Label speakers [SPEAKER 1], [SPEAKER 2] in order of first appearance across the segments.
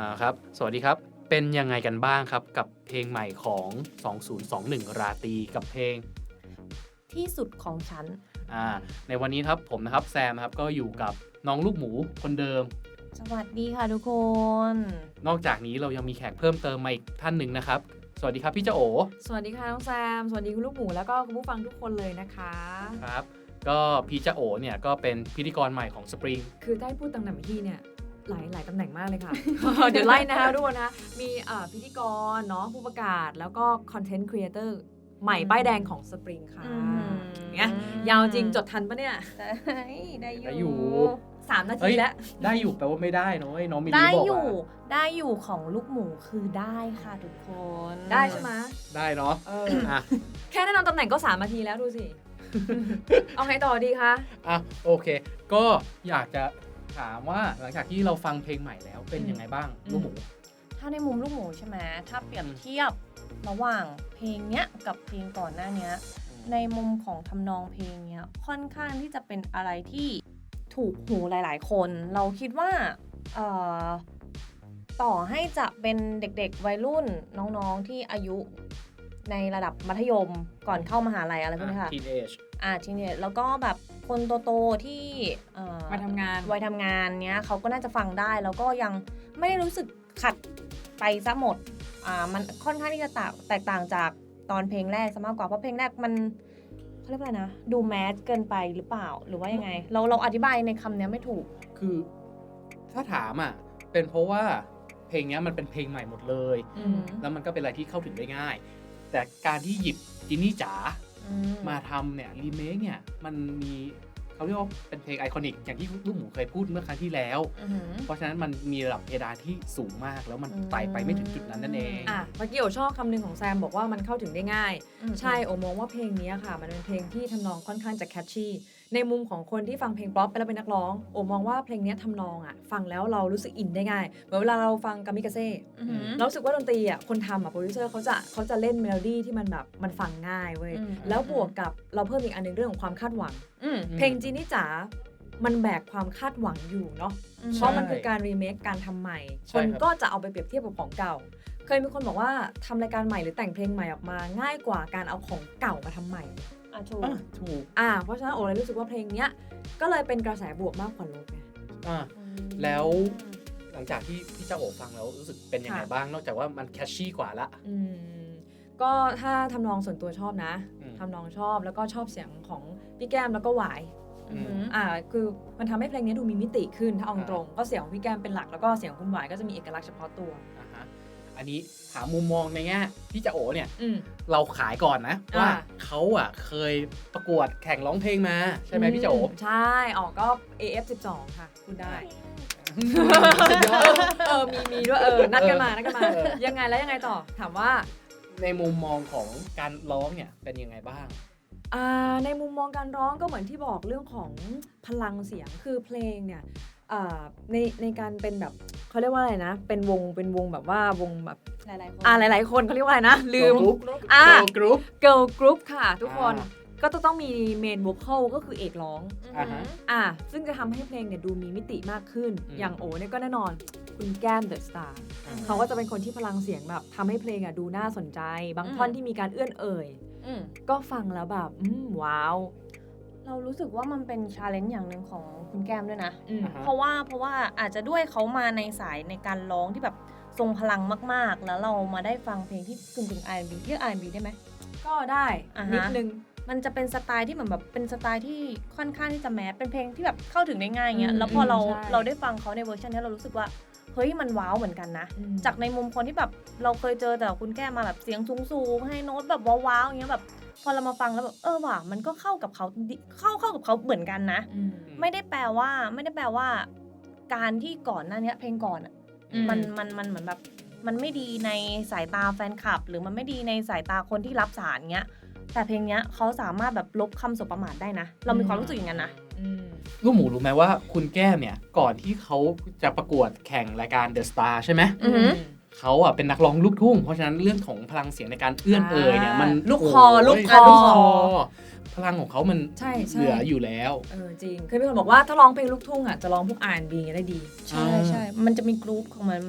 [SPEAKER 1] ครับสวัสดีครับเป็นยังไงกันบ้างครับกับเพลงใหม่ของ2021ราตรีกับเพลง
[SPEAKER 2] ที่สุดของฉัน
[SPEAKER 1] ในวันนี้ครับผมนะครับแซมครับก็อยู่กับน้องลูกหมูคนเดิม
[SPEAKER 2] สวัสดีค่ะทุกคน
[SPEAKER 1] นอกจากนี้เรายังมีแขกเพิ่มเติมมาอีกท่านหนึ่งนะครับสวัสดีครับพี่เจ้าโอ
[SPEAKER 3] สวัสดีค่ะน้องแซมสวัสดีคุณลูกหมูแล้วก็คุณผู้ฟังทุกคนเลยนะคะ
[SPEAKER 1] ครับก็พี่เจ้าโอเนี่ยก็เป็นพิธีกรใหม่ของ Spring
[SPEAKER 3] คือได้พูดตำแหน่งที่เนี่ยหลายตำแหน่งมากเลยค่ะ เดี๋ยวไล่นะคะทุกคนนะมีพิธีกรเนาะผู้ประกาศแล้วก็คอนเทนต์ครีเอเตอร์ใหม่ป้ายแดงของ Spring ค่ะเนี่ยยาวจริงจดทันปะเนี่ย
[SPEAKER 2] ได้อยู่
[SPEAKER 3] 3 นาทีแล้ว
[SPEAKER 1] ได้อยู่แปลว่าไม่ได้น้องมิลลี่
[SPEAKER 2] ได้
[SPEAKER 1] บอก
[SPEAKER 2] อยู่ได้อยู่ของลูกหมูคือได้ค่ะทุกคน
[SPEAKER 3] ได้ใช่ไหม
[SPEAKER 1] ได้เนาะ
[SPEAKER 3] แค่แนะนำตำแหน่งก็3 นาทีแล้วดูสิ เอาไงต่อดีคะ
[SPEAKER 1] โอเคก็อยากจะถามว่าหลังจากที่เราฟังเพลงใหม่แล้วเป็นยังไงบ้างลูกหมู
[SPEAKER 2] ถ้าในมุมลูกหมูใช่ไหมถ้าเปรียบเทียบระหว่างเพลงเนี้ยกับเพลงก่อนหน้านี้ในมุมของทำนองเพลงเนี้ยค่อนข้างที่จะเป็นอะไรที่ถูกหูหลายๆคนเราคิดว่าต่อให้จะเป็นเด็กๆวัยรุ่นน้องๆที่อายุในระดับมัธยมก่อนเข้ามหาลัยอะไรพวกนี้ค่ะ
[SPEAKER 1] teenage
[SPEAKER 2] teenage แล้วก็แบบคนโตๆที่
[SPEAKER 3] วัยทำ
[SPEAKER 2] งานเนี้ยเขาก็น่าจะฟังได้แล้วก็ยังไม่ได้รู้สึกขัดไปซะหมดมันค่อนข้างที่จะแตกต่างจากตอนเพลงแรกซะมากกว่าเพราะเพลงแรกมันเขาเรียกว่าอะไรนะดูแมสเกินไปหรือเปล่าหรือว่ายังไงเราอธิบายในคำนี้ไม่ถูก
[SPEAKER 1] คือถ้าถามเป็นเพราะว่าเพลงนี้มันเป็นเพลงใหม่หมดเลยแล้วมันก็เป็นอะไรที่เข้าถึงได้ง่ายแต่การที่หยิบจินนี่จ๋ามาทำเนี่ยรีเมคเนี่ยมันมีเขาเรียกว่าเป็นเพลงไอคอนิกอย่างที่ลูกหมูเคยพูดเมื่อครั้งที่แล้วเพราะฉะนั้นมันมีระดับเพดานที่สูงมากแล้วมันไต่ไปไม่ถึงจุดนั้นนั่นเอง
[SPEAKER 3] เมื่อกี้โอชอบคำนึงของแซมบอกว่ามันเข้าถึงได้ง่ายใช่โอมองว่าเพลงนี้ค่ะมันเป็นเพลงที่ทำนองค่อนข้างจะแคชชี่ในมุมของคนที่ฟังเพลงป๊อปไปแล้วเป็นนักร้องโอมองว่าเพลงนี้ทำนองฟังแล้วเรารู้สึกอินได้ง่ายเหมือนเวลาเราฟังกามิกาเซ่เรารู้สึกว่าดนตรีคนทำโปรดิวเซอร์เขาจะเล่นเมโลดี้ที่มันแบบมันฟังง่ายเว้ยแล้วบวกกับเราเพิ่มอีกอันนึงเรื่องของความคาดหวังเพลงจีนี่จ๋ามันแบกความคาดหวังอยู่เนาะเพราะมันคือการรีเมคการทำใหม่คนก็จะเอาไปเปรียบเทียบกับของเก่าเคยมีคนบอกว่าทำรายการใหม่หรือแต่งเพลงใหม่ออกมาง่ายกว่าการเอาของเก่ามาทำใหม่
[SPEAKER 2] ถูก
[SPEAKER 3] เพราะฉะนั้นโอเลยรู้สึกว่าเพลงเนี้ยก็เลยเป็นกระแสบวกมากกว่าลบไง
[SPEAKER 1] แล้วหลังจากที่พี่เจ้าโอฟังแล้วรู้สึกเป็นยังไงบ้างนอกจากว่ามันแคชชี่กว่าละ
[SPEAKER 3] ก็ถ้าทำนองส่วนตัวชอบนะทำนองชอบแล้วก็ชอบเสียงของพี่แก้มแล้วก็หวายคือมันทำให้เพลงนี้ดูมีมิติขึ้นถ้าเอาตรงก็เสียงของพี่แก้มเป็นหลักแล้วก็เสียงคุณหวายก็จะมีเอกลักษณ์เฉพาะตัว
[SPEAKER 1] อันนี้ถามมุมมองในแง่พี่เจ้าโอเนี่ยเราขายก่อนนะว่าเขาเคยประกวดแข่งร้องเพลงมาใช่ไหมพี่เจ้าโอ
[SPEAKER 3] ใช่ก็ AF12 ค่ะคุณได้มีด้วยนัดกันมายังไงแล้วยังไงต่อถามว่า
[SPEAKER 1] ในมุมมองของการร้องเนี่ยเป็นยังไงบ้าง
[SPEAKER 3] ในมุมมองการร้องก็เหมือนที่บอกเรื่องของพลังเสียงคือเพลงเนี่ยในการเป็นแบบเขาเรียกว่าอะไรนะเป็นวงแบบว่าวงแบบหลายคนเขาเรียกว่าอะไรนะลืมgirl group ค่ะทุกคนก็ต้องมีเมนโวคอลก็คือเอกร้องซึ่งจะทำให้เพลงเนี่ยดูมีมิติมากขึ้นอย่างโอเนี่ยก็แน่นอนคุณแก้มเดอะสตาร์เขาก็จะเป็นคนที่พลังเสียงแบบทำให้เพลงดูน่าสนใจบางท่อนที่มีการเอื้อนเอ่ยก็ฟังแล้วแบบว้าว
[SPEAKER 2] เรารู้สึกว่ามันเป็นชาเลนจ์อย่างหนึ่งของคุณแก้มด้วยนะเพราะว่าอาจจะด้วยเขามาในสายในการร้องที่แบบทรงพลังมากๆแล้วเรามาได้ฟังเพลงที่กึ่ง R&B เรียก R&B ได้ไหม
[SPEAKER 3] ก็ได้นิดนึง
[SPEAKER 2] มันจะเป็นสไตล์ที่เหมือนแบบเป็นสไตล์ที่ค่อนข้างที่จะแมสเป็นเพลงที่แบบเข้าถึงได้ง่ายเงี้ยแล้วพอเราได้ฟังเขาในเวอร์ชันนี้เรารู้สึกว่าเฮ้ยมันว้าวเหมือนกันนะจากในมุมคนที่แบบเราเคยเจอแต่คุณแก้มาแบบเสียงสูงๆให้โน้ตแบบว้าวๆอย่างเงี้ยแบบพอเรามาฟังแล้วแบบว่ะมันก็เข้ากับเขาเข้ากับเขาเหมือนกันนะไม่ได้แปลว่าการที่ก่อนหน้านี้เพลงก่อนมันเหมือนแบบมันไม่ดีในสายตาแฟนคลับหรือมันไม่ดีในสายตาคนที่รับสารเงี้ยแต่เพลงเนี้ยเขาสามารถแบบลบคำสบประมาทได้นะเรามีความรู้สึกอย่างนั้นนะ
[SPEAKER 1] ลูกหมูรู้ไหมว่าคุณแก้มเนี่ยก่อนที่เขาจะประกวดแข่งรายการ The Star ใช่ไหมเขาเป็นนักร้องลูกทุ่งเพราะฉะนั้นเรื่องของพลังเสียงในการเอื้อนเอ่ยเนี่ยมัน
[SPEAKER 3] ลูกคอ
[SPEAKER 1] พลังของเขามันเหลืออยู่แล้ว
[SPEAKER 3] จริงเคยมีคนบอกว่าถ้าร้องเพลงลูกทุ่งจะร้องพวก R&B ได้ดี
[SPEAKER 2] ใช่มันจะมีกรุ๊ปของมันแบบ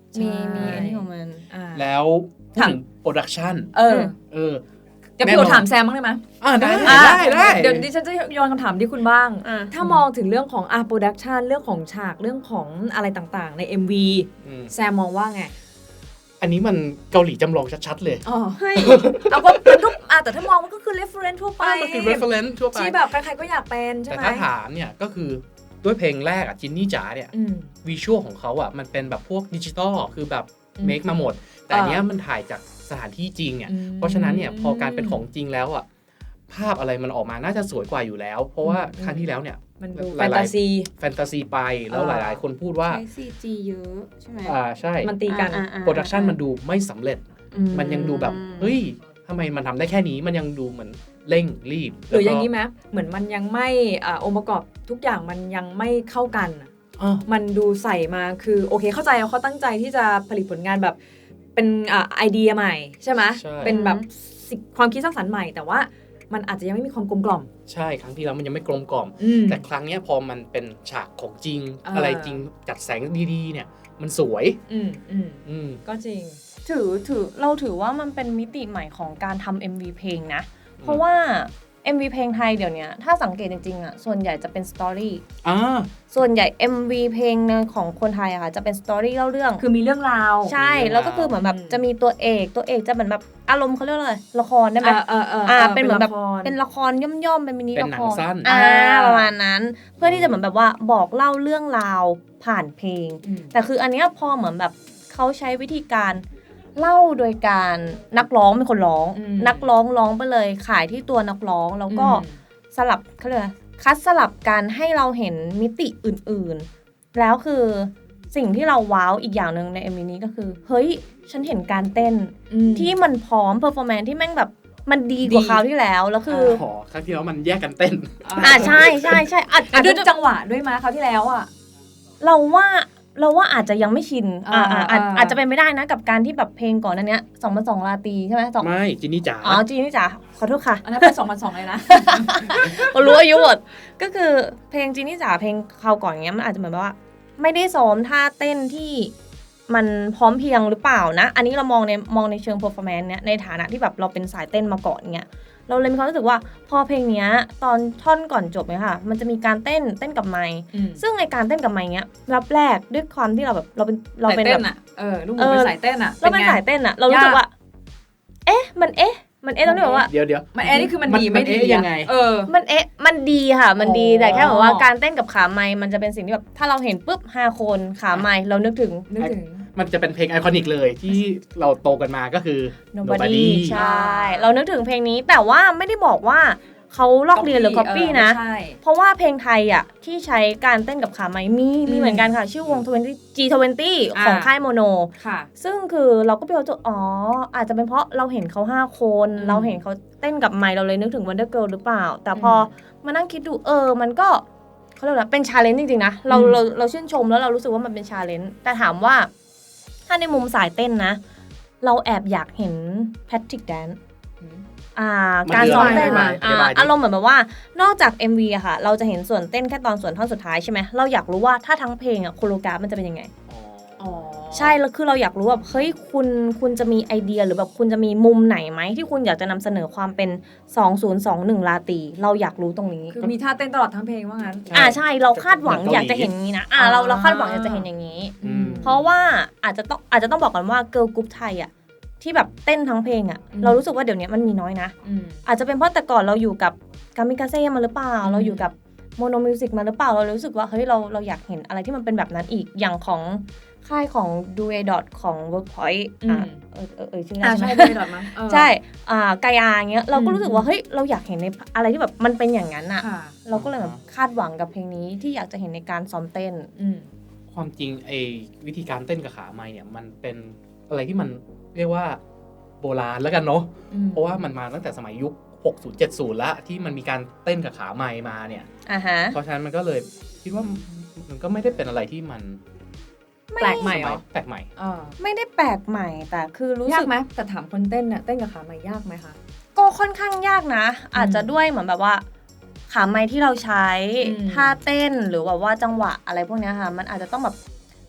[SPEAKER 2] มีอันนี้ของมัน
[SPEAKER 1] แล้วพูดถึงโปรดักชัน
[SPEAKER 3] เดี๋ยวพี่โอถามแซมบ้างได้ไหม
[SPEAKER 1] ได้
[SPEAKER 3] เดี๋ยวดิฉันจะโยนคำถามที่คุณบ้างถ้ามองถึงเรื่องของโปรดักชันเรื่องของฉากเรื่องของอะไรต่างๆใน MV แซมมองว่าไง
[SPEAKER 1] อันนี้มันเกาหลีจำลองชัดๆเลย
[SPEAKER 3] เฮ้ยเอาก็มันก็แต่ถ้ามองมันก็คือ reference ทั่วไป
[SPEAKER 1] มันคือ reference ทั่วไป
[SPEAKER 3] ที่แบบใครๆก็อยากเป็นใช่ไหม
[SPEAKER 1] แต่ถ้าถามเนี่ยก็คือด้วยเพลงแรกจินนี่จ๋าเนี่ยวิชวลของเขามันเป็นแบบพวกดิจิตอลคือแบบเมคมาหมดแต่อันเนี้ยมันถ่ายจากสถานที่จริงเพราะฉะนั้นเนี่ยพอการเป็นของจริงแล้วภาพอะไรมันออกมาน่าจะสวยกว่าอยู่แล้วเพราะว่าครั้งที่แล้วเนี่ย
[SPEAKER 3] มันดูแฟนตาซี
[SPEAKER 1] ไปแล้วหลายๆคนพูดว่า
[SPEAKER 2] ใช้ CG เยอะใช่ไหม
[SPEAKER 1] ใช่
[SPEAKER 3] มันตีกัน
[SPEAKER 1] โปรดักชันมันดูไม่สำเร็จมันยังดูแบบเฮ้ยทำไมมันทำได้แค่นี้มันยังดูเหมือนเร่งรีบ
[SPEAKER 3] หรืออย่างนี้ไหมเหมือนมันยังไม่องค์ประกอบทุกอย่างมันยังไม่เข้ากันมันดูใส่มาคือโอเคเข้าใจเขาตั้งใจที่จะผลิตผลงานแบบเป็นไอเดียใหม่ใช่ไหมเป็นแบบความคิดสร้างสรรค์ใหม่แต่ว่ามันอาจจะยังไม่มีความกลมกล่อม
[SPEAKER 1] ใช่ครั้งที่แล้วมันยังไม่กลมกล่อมแต่ครั้งนี้พอมันเป็นฉากของจริงอะไรจริงจัดแสงดีๆเนี่ยมันสวย
[SPEAKER 3] ก็จริง
[SPEAKER 2] เราถือว่ามันเป็นมิติใหม่ของการทำ MV เพลงนะเพราะว่า MV เพลงไทยเดี๋ยวนี้ถ้าสังเกตจริงๆส่วนใหญ่จะเป็นสตอรี่ส่วนใหญ่ MV เพลงของคนไทยค่ะจะเป็นสตอรี่เล่าเรื่อง
[SPEAKER 3] คือมีเรื่องราว
[SPEAKER 2] ใช่แล้วก็คือเหมือนแบบจะมีตัวเอกจะเหมือนแบบอารมณ์เขาเรียกอะไรละครได้ไหมเป็นเหมือนแบบเป็นละครย่อมๆเป็นมินิละครประมาณนั้นเพื่อที่จะเหมือนแบบว่าบอกเล่าเรื่องราวผ่านเพลงแต่คืออันเนี้ยพอเหมือนแบบเขาใช้วิธีการเล่าโดยการนักร้องเป็นคนร้องนักร้องไปเลยขายที่ตัวนักร้องแล้วก็สลับเขาเรียกคัดสลับกันให้เราเห็นมิติอื่นๆแล้วคือสิ่งที่เราว้าวอีกอย่างนึงใน MV นี้ก็คือเฮ้ยฉันเห็นการเต้นที่มันพร้อมเพอร์ฟอร์แมนซ์ที่แม่งแบบมันดีกว่าคราวที่แล้วคือ
[SPEAKER 1] คราวที่แล้วมันแยกกันเต้น
[SPEAKER 2] ใช่อาจจะ
[SPEAKER 3] จังหวะด้วยมั้ยคราวที่แล้ว
[SPEAKER 2] เราว่าอาจจะยังไม่ชินอาจจะเป็นไม่ได้นะกับการที่แบบเพลงก่อนนั้นเนี้ย2002ราตรีใช่ไหม
[SPEAKER 1] ไม่จินนี่จ๋า
[SPEAKER 2] จินนี่จ๋าขอโทษค่ะ
[SPEAKER 3] อันนั้นเป็น2002เลยนะ
[SPEAKER 2] รู้อายุหมดก็คือเพลงจินนี่จ๋าเพลงคราวก่อนเงี้ยมันอาจจะเหมือนว่าไม่ได้ซ้อมท่าเต้นที่มันพร้อมเพียงหรือเปล่านะอันนี้เรามองในเชิง performance เนี้ยในฐานะที่แบบเราเป็นสายเต้นมาก่อนเงี้ยเราเลยมีความรู้สึกว่าพอเพลงเนี้ยตอนท่อนก่อนจบเนี่ยค่ะมันจะมีการเต้นกับไมค์ซึ่งในการเต้นกับไมค์เนี้ยรับแรกด้วยความที่เราเป็น
[SPEAKER 3] แบบลูกหมูเป็นสายเต้น
[SPEAKER 2] เราเป็นสายเต้นเรารู้สึกว่ามันต้องเรียกว่า
[SPEAKER 1] เดี๋ยว
[SPEAKER 3] มันนี่คือมันดีไม่ดี
[SPEAKER 1] ยังไง
[SPEAKER 2] มันดีค่ะมันดีแต่แค่แบบว่าการเต้นกับขาไมค์มันจะเป็นสิ่งที่แบบถ้าเราเห็นปุ๊บ5คนขาไมค์เรานึกถึง
[SPEAKER 1] มันจะเป็นเพลงไอคอนิกเลยที่เราโตกันมาก็คือ
[SPEAKER 2] Nobody ใช่เรานึกถึงเพลงนี้แต่ว่าไม่ได้บอกว่าเขาลอกเรียนหรือ copy นะเพราะว่าเพลงไทยที่ใช้การเต้นกับขาไม้มีเหมือนกันค่ะชื่อวงG20 ของค่ายโมโนซึ่งคือเราก็ไปเอาอาจจะเป็นเพราะเราเห็นเขา5คนเราเห็นเขาเต้นกับไมค์เราเลยนึกถึง Wonder Girl หรือเปล่าแต่พอมานั่งคิดดูมันก็เขาเรียกว่าเป็น challenge จริงๆนะเราชื่นชมแล้วเรารู้สึกว่ามันเป็น challenge แต่ถามว่าถ้าในมุมสายเต้นนะเราแอบอยากเห็น Patrick Dance การซ้อมเต้นอารมณ์เหมือนแบบว่านอกจาก MV อะค่ะเราจะเห็นส่วนเต้นแค่ตอนส่วนท่อนสุดท้ายใช่ไหมเราอยากรู้ว่าถ้าทั้งเพลงโคโรกราฟมันจะเป็นยังไงใช่แล้วคือเราอยากรู้แบบเฮ้ยคุณจะมีไอเดียหรือแบบคุณจะมีมุมไหนไหมที่คุณอยากจะนำเสนอความเป็น2021ราตรีเราอยากรู้ตรงนี้
[SPEAKER 3] คือมีท่าเต้นตลอดทั้งเพลงว่างั้น
[SPEAKER 2] ใช่เราคาดหวังอยากจะเห็นนี้นะเราคาดหวังอยากจะเห็นอย่างนี้เพราะว่าอาจจะต้องบอกกันว่าเกิร์ลกรุ๊ปไทยที่แบบเต้นทั้งเพลงเรารู้สึกว่าเดี๋ยวนี้มันมีน้อยนะอาจจะเป็นเพราะแต่ก่อนเราอยู่กับกามิกาเซ่มาหรือเปล่าเราอยู่กับโมโนมิวสิกมาหรือเปล่าเรารู้สึกว่าเฮ้ยเราอยากเห็นอะไรที่มันเป็นแบบนั้นอีกอย่างของค่ายของ Duet ของ Workpoint ชื่อ
[SPEAKER 3] ใช่ Duet มั้ง
[SPEAKER 2] ใช่กายาเงี้ยเราก็รู้สึกว่าเฮ้ยเราอยากเห็นในอะไรที่แบบมันเป็นอย่างนั้นเราก็เลยแบบคาดหวังกับเพลงนี้ที่อยากจะเห็นในการซ้อมเต้น
[SPEAKER 1] ความจริงวิธีการเต้นกับขาไมค์เนี่ยมันเป็นอะไรที่มันเรียกว่าโบราณแล้วกันเนาะเพราะว่ามันมาตั้งแต่สมัยยุค60 70แล้วที่มันมีการเต้นกับขาไมค์มาเนี่ยเพราะฉะนั้นมันก็เลยคิดว่ามันก็ไม่ได้เป็นอะไรที่มัน
[SPEAKER 3] แปลกใหม่
[SPEAKER 1] แปลกใหม่
[SPEAKER 2] ไม่ได้แปลกใหม่แต่คือรู้สึก
[SPEAKER 3] ยากไหมแต่ถามคนเต้นเนี่ยเต้นกับขาไมค์ยากไหมคะ
[SPEAKER 2] ก็ค่อนข้างยากนะอาจจะด้วยเหมือนแบบว่าขาไมค์ที่เราใช้ท่าเต้นหรือว่าจังหวะอะไรพวกนี้ค่ะมันอาจจะต้องแบบ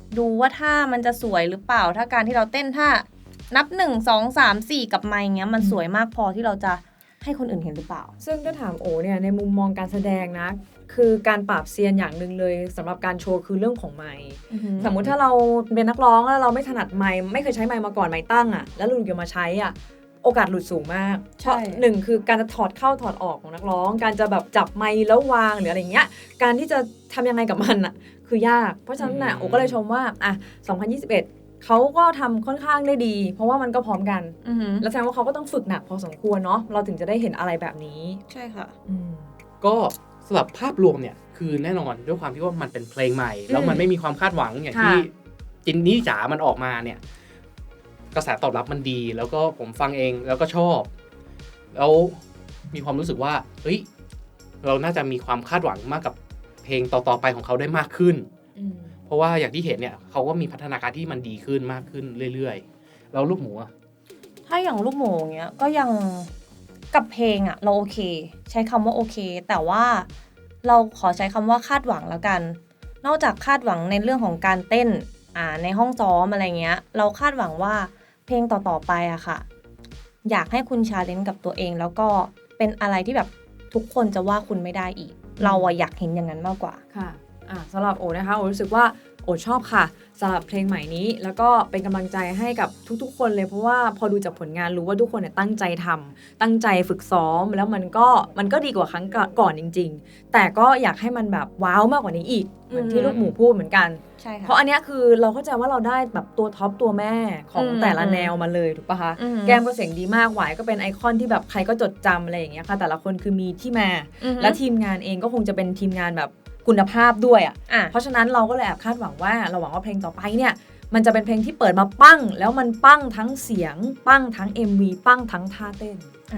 [SPEAKER 2] ดูว่าท่ามันจะสวยหรือเปล่าถ้าการที่เราเต้นท่านับ1 2 3 4กับไมค์เงี้ยมันสวยมากพอที่เราจะให้คนอื่นเห็นหรือเปล่า
[SPEAKER 3] ซึ่งถ้าถามโอเนี่ยในมุมมองการแสดงนะคือการปราบเซียนอย่างหนึ่งเลยสำหรับการโชว์คือเรื่องของไมค์สมมุติถ้าเราเป็นนักร้องแล้วเราไม่ถนัดไมค์ไม่เคยใช้ไมค์มาก่อนไมค์ตั้งอ่ะแล้วลุงเกี่ยวมาใช้อ่ะโอกาสหลุดสูงมากเพราะหนึ่งคือการจะถอดเข้าถอดออกของนักร้องการจะแบบจับไมค์แล้ววางหรืออะไรเงี้ยการที่จะทำยังไงกับมันอ่ะคือยากเพราะฉะนั้นน่ะโอก็เลยชมว่าอ่ะ2021เขาก็ทำค่อนข้างได้ดีเพราะว่ามันก็พร้อมกันแล้วแสดงว่าเขาก็ต้องฝึกหนักพอสมควรเนาะเราถึงจะได้เห็นอะไรแบบนี้
[SPEAKER 2] ใช่ค่ะ
[SPEAKER 1] ก็สำหรับภาพรวมเนี่ยคือแน่นอนด้วยความที่ว่ามันเป็นเพลงใหม่แล้วมันไม่มีความคาดหวังอย่างที่จินนี่จ๋ามันออกมาเนี่ยกระแสตอบรับมันดีแล้วก็ผมฟังเองแล้วก็ชอบแล้วมีความรู้สึกว่าเฮ้ยเราน่าจะมีความคาดหวังมากกับเพลงต่อๆไปของเขาได้มากขึ้นเพราะว่าอย่างที่เห็นเนี่ยเขาก็มีพัฒนาการที่มันดีขึ้นมากขึ้นเรื่อยๆแล้วลูกหมูอะ
[SPEAKER 2] ถ้าอย่างลูกหมูเงี้ยก็ยังกับเพลงอะเราโอเคใช้คำว่าโอเคแต่ว่าเราขอใช้คำว่าคาดหวังแล้วกันนอกจากคาดหวังในเรื่องของการเต้นในห้องซ้อมอะไรเงี้ยเราคาดหวังว่าเพลงต่อๆไปอะค่ะอยากให้คุณชาเลนจ์กับตัวเองแล้วก็เป็นอะไรที่แบบทุกคนจะว่าคุณไม่ได้อีกเราอยากเห็นอย่างนั้นมากกว่า
[SPEAKER 3] ค่ะสำหรับโอนะคะโอรู้สึกว่าโอชอบค่ะสำหรับเพลงใหม่นี้แล้วก็เป็นกำลังใจให้กับทุกๆคนเลยเพราะว่าพอดูจากผลงานรู้ว่าทุกคนเนี่ยตั้งใจทำตั้งใจฝึกซ้อมแล้วมันก็ดีกว่าครั้งก่อนจริงๆแต่ก็อยากให้มันแบบว้าวมากกว่านี้อีกเหมือนที่ลูกหมูพูดเหมือนกัน
[SPEAKER 2] ใช่ค่ะ
[SPEAKER 3] เพราะอันนี้คือเราเข้าใจว่าเราได้แบบตัวท็อปตัวแม่ของแต่ละแนวมาเลยถูกปะคะแก้มก็เสียงดีมากหวายก็เป็นไอคอนที่แบบใครก็จดจำอะไรอย่างเงี้ยค่ะแต่ละคนคือมีที่มาและทีมงานเองก็คงจะเป็นทีมงานแบบคุณภาพด้วยเพราะฉะนั้นเราก็เลยแอบคาดหวังว่าเราหวังว่าเพลงต่อไปเนี่ยมันจะเป็นเพลงที่เปิดมาปั้งแล้วมันปั้งทั้งเสียงปั้งทั้ง MV ปั้งทั้งท่าเต้น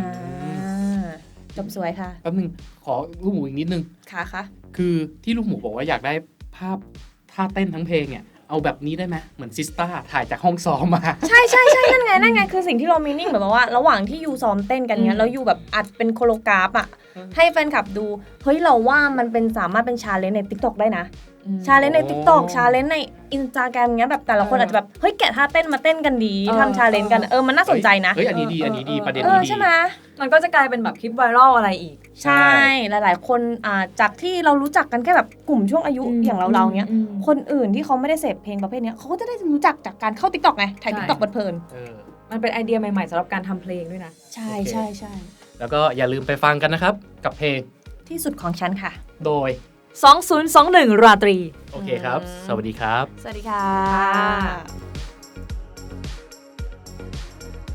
[SPEAKER 2] จบสวยค่ะ
[SPEAKER 1] แป๊บนึงขอลูกหมูอีกนิดนึง
[SPEAKER 2] ค่ะ
[SPEAKER 1] คือที่ลูกหมูบอกว่าอยากได้ภาพท่าเต้นทั้งเพลงเนี่ยเอาแบบนี้ได้ไหมเหมือนซิสต้าถ่ายจากห้องซ้อมมา
[SPEAKER 2] ใช่นั่นไงคือสิ่งที่เรามีนิ่งแบบว่าระหว่างที่ยูซ้อมเต้นกันเนี้ยแล้วยูแบบอัดเป็นโคโรกราฟให้แฟนคลับดูเฮ้ยเราว่ามันเป็นสามารถเป็นชาเลนจ์ใน TikTok ได้นะชาเลนจ์ใน TikTok ชาเลนจ์ใน Instagram เงี้ยแบบแต่ละคนอาจจะแบบเฮ้ยแกะท่าเต้นมาเต้นกันดีทำชาเลนจ์กันมันน่าสนใจนะ
[SPEAKER 1] เฮ้ยอันนี้ดีประเด็นนี้ดี
[SPEAKER 2] ใช่ไหม
[SPEAKER 3] มันก็จะกลายเป็นแบบคลิปไวรัลอะไรอีก
[SPEAKER 2] ใช่หลายๆคนจากที่เรารู้จักกันแค่แบบกลุ่มช่วงอายุอย่างเราเนี้ยคนอื่นที่เขาไม่ได้เสพเพลงประเภทนี้เขาก็จะได้รู้จักจากการเข้า TikTok ไงถ่าย TikTok เพลิน
[SPEAKER 3] มันเป็นไอเดียใหม่ๆสำหรับการทำเพลงด้วยนะ
[SPEAKER 2] ใช่
[SPEAKER 1] แล้วก็อย่าลืมไปฟังกันนะครับกับเพลง
[SPEAKER 2] ที่สุดของฉันค่ะ
[SPEAKER 1] โดย
[SPEAKER 3] 2021ราตรี
[SPEAKER 1] โอเคครับสวัสดีครับ
[SPEAKER 2] สวัสดีค่ะ